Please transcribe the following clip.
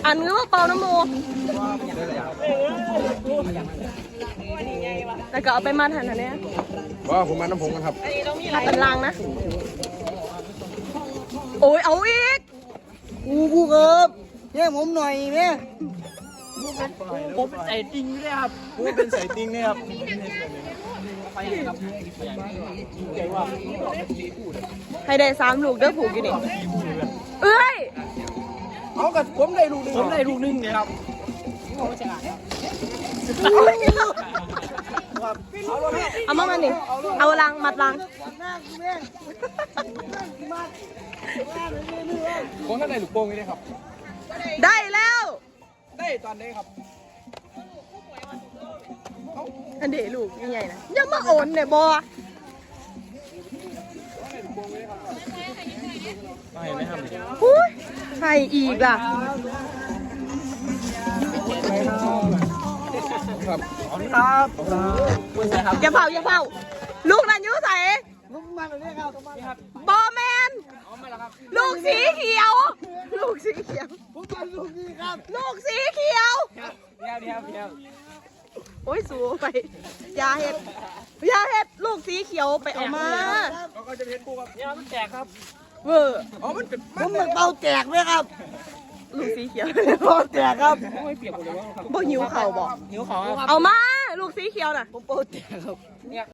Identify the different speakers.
Speaker 1: อันนี้ว่าเป่าน้ำโมแต่ก็เอาไปมัดหันอันเนี้ย
Speaker 2: ว่าผมมาน้ำผงกันครับ
Speaker 1: ถ้าเป็นลังนะโอ้ยเอาอีก
Speaker 3: กูครับเนี่ยผมหน่อยแม่
Speaker 4: ผมเป็นใส่จริงเลยครับ
Speaker 2: กูเป็นสายติงเนี่ยครับ
Speaker 1: ให้ได้3 ลูกเด้อผูกอยู่นี่เอ้ย
Speaker 2: เอากับผมได้ลูกหนึ่ง
Speaker 4: ผมได้ลูกนึงเลยครับ
Speaker 1: เอามานี่เอาลังมัดลัง
Speaker 2: ผมก็ได้ลูกโป่งนี่ครับ
Speaker 1: ได้แล้ว
Speaker 2: ได้ตอนนี้ครับ
Speaker 1: อันเดลูกใหญ่ๆนะอย่ามาโอนเนี่ยบอ
Speaker 4: ไม่ไม่ทำเลย
Speaker 1: หุ้ยใครอีกล่ะ
Speaker 2: ครับ
Speaker 4: ขอบคุณครับคุณใส่ครับ
Speaker 1: อย่าเผาอย่าเผาลูกนั่นอยุ่ใส่
Speaker 3: ผมมาเลยครับ
Speaker 1: บอแมนลูกสีเขียว ลูกสีเขียว
Speaker 3: ผมมาลูกนี้ครับ
Speaker 1: ลูกสีเขียว
Speaker 4: เดี๋ยว
Speaker 1: โอ้ยสูไปอยาเห็ดลูกสีเขียวไปเอามา
Speaker 2: เขาก็จะเพชรกูครับ
Speaker 4: เนี่ยมันแจกครับ
Speaker 1: เวอร์
Speaker 2: อ๋อมันเป็น
Speaker 3: ผมมันเป่าแตกไหมครับ
Speaker 1: ลูกสีเขียว
Speaker 3: เป่าแตกครับ
Speaker 4: ไม่เปียกหมดเลยว่าครับ
Speaker 1: บ่หิวเข่าบอก
Speaker 4: หิวของครับ
Speaker 1: เอามา ลูกสีเขียวน่ะ
Speaker 3: ผมเป่าแตกครับ
Speaker 4: เนี่ย